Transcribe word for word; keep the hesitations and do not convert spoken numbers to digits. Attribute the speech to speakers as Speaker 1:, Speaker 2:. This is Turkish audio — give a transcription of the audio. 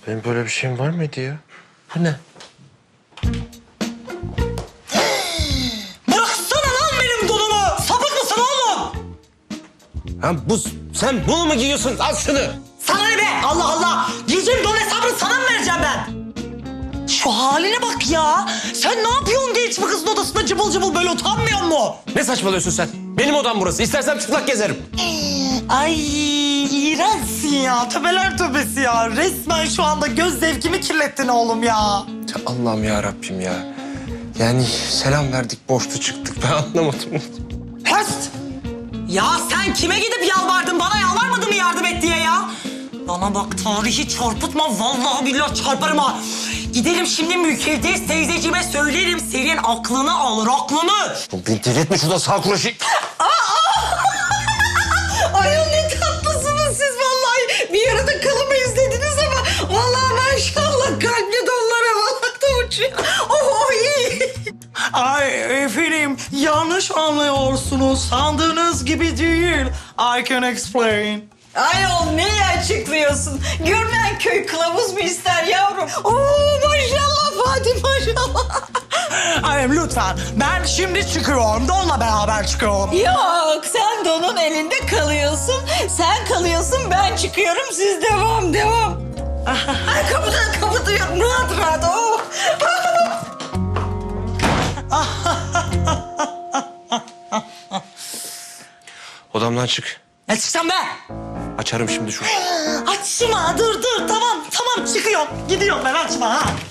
Speaker 1: Benim böyle bir şeyim var mıydı ya? Bu ne?
Speaker 2: Bıraksana lan benim donumu! Sapık mısın oğlum?
Speaker 1: Ha bu, sen bunu mu giyiyorsun? Al şunu.
Speaker 2: Sana ne be? Allah Allah! Giyeceğim don hesabını sana mı vereceğim ben? Şu haline bak ya! Sen ne yapıyorsun genç bir kızın odasında cıbıl cıbıl böyle utanmıyor mu?
Speaker 1: Ne saçmalıyorsun sen? Benim odam burası. İstersem çıplak gezerim.
Speaker 2: Ay iğrençsin ya. Töbeler töbesi ya. Resmen şu anda göz zevkimi kirlettin oğlum ya.
Speaker 1: Ya Allah'ım ya Rabbim ya. Yani selam verdik, boştu çıktık. Ben anlamadım.
Speaker 2: Höst! Ya sen kime gidip yalvardın? Bana yalvarmadın mı yardım et diye ya? Bana bak tarihi çarpıtma. Vallahi billahi çarparım ha. Gidelim şimdi mükevdes teyzeciğime söylerim. Senin aklını alır, aklını.
Speaker 1: Beni delirtme şurada sağ kuraşı.
Speaker 2: Ayol ne tatlısınız siz vallahi. Bir arada kalımı izlediniz ama vallahi maşallah kalpli donlar havalarda uçuyor. Oh, oh iyi. Ay efendim yanlış anlıyorsunuz. Sandığınız gibi değil. I can explain.
Speaker 3: Ayol neyi açıklıyorsun? Görmeyen köy kılavuz mu ister yavrum?
Speaker 2: Oo maşallah Fatih maşallah. Ay lütfen ben şimdi çıkıyorum. Donla beraber çıkıyorum.
Speaker 3: Yok sen donun elinde kalıyorsun. Sen kalıyorsun ben çıkıyorum siz devam devam. Ay kapıda kapatıyorum rahat rahat. Oh.
Speaker 1: Odamdan çık.
Speaker 2: Ne çıksam be?
Speaker 1: Açarım şimdi şu.
Speaker 2: Açma dur dur tamam tamam çıkıyorum. Gidiyorum ben açma ha.